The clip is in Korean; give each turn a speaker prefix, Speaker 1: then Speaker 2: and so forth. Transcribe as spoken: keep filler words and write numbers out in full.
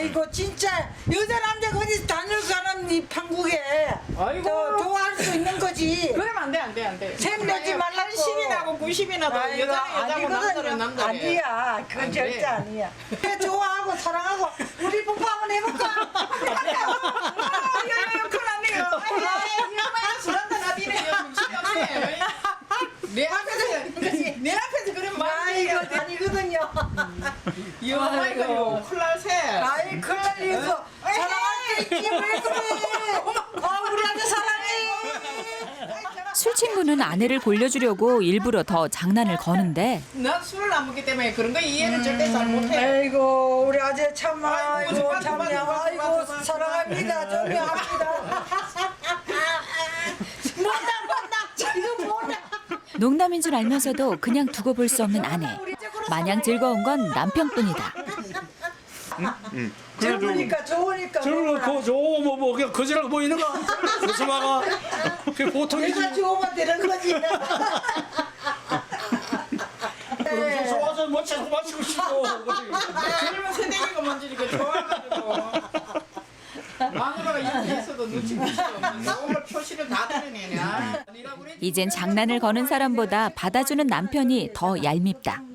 Speaker 1: 아이고 진짜 여자 남자가 어디 다닐 사람 이 판국에
Speaker 2: 아이고.
Speaker 1: 저 좋아할 수 있는 거지.
Speaker 2: 그러면 안 돼, 안 돼, 안 돼.
Speaker 1: 샘내지 말라고.
Speaker 2: 팔십이나 하고 구십이나 더
Speaker 1: 아이고,
Speaker 2: 여자는 여자고 남자는
Speaker 1: 아니거든요.
Speaker 2: 남자래.
Speaker 1: 아니야, 그건
Speaker 2: 안
Speaker 1: 절대
Speaker 2: 돼.
Speaker 1: 아니야. 그래, 좋아하고 사랑하고 우리 뽀뽀 한번 해볼까?
Speaker 2: 야야야, 큰일 났네요. 이엄마야 술 한잔 하디네요. 정신없네. 내 앞에서, 내 앞에서 그런 말이
Speaker 1: 아이고 아니거든요.
Speaker 2: 이엄마이가요. 큰일 날세.
Speaker 1: 아이 큰일 일이고 사랑할 수 있지 왜 그래? 아 우리 아들 사랑해.
Speaker 3: 술 친구는 아내를 골려주려고 일부러 더 장난을 거는데
Speaker 2: 난 술을 안 먹기 때문에 그런 거 이해를 절대 잘 못해.
Speaker 1: 아이고 우리 아들 참
Speaker 2: 아이고,
Speaker 1: 아이고
Speaker 2: 맞아,
Speaker 1: 참
Speaker 2: 맞아, 맞아,
Speaker 1: 아이고
Speaker 2: 맞아, 맞아.
Speaker 1: 사랑합니다 존경합니다. 못나 못나 이거 못나.
Speaker 3: 농담인 줄 알면서도 그냥 두고 볼 수 없는 아내. 마냥 즐거운 건 남편뿐이다.
Speaker 1: 젊으니까 좋으니까.
Speaker 4: 저런
Speaker 1: 뭐라.
Speaker 4: 거 좋고 뭐, 뭐 그냥 거지라고 보이는가? 조수마가 그게 보통이지.
Speaker 1: 내가 좋으면 되는 거지.
Speaker 4: 그럼 좋아서 마시고 마시고 싶고 그지.
Speaker 2: 젊은 세대기가 먼저 이렇게 좋아가지고 마누라가 이렇게 있어도 눈치 볼수 없는데 오늘 표시를 다 다르네.
Speaker 3: 이젠 장난을 거는 사람보다 받아주는 남편이 더 얄밉다.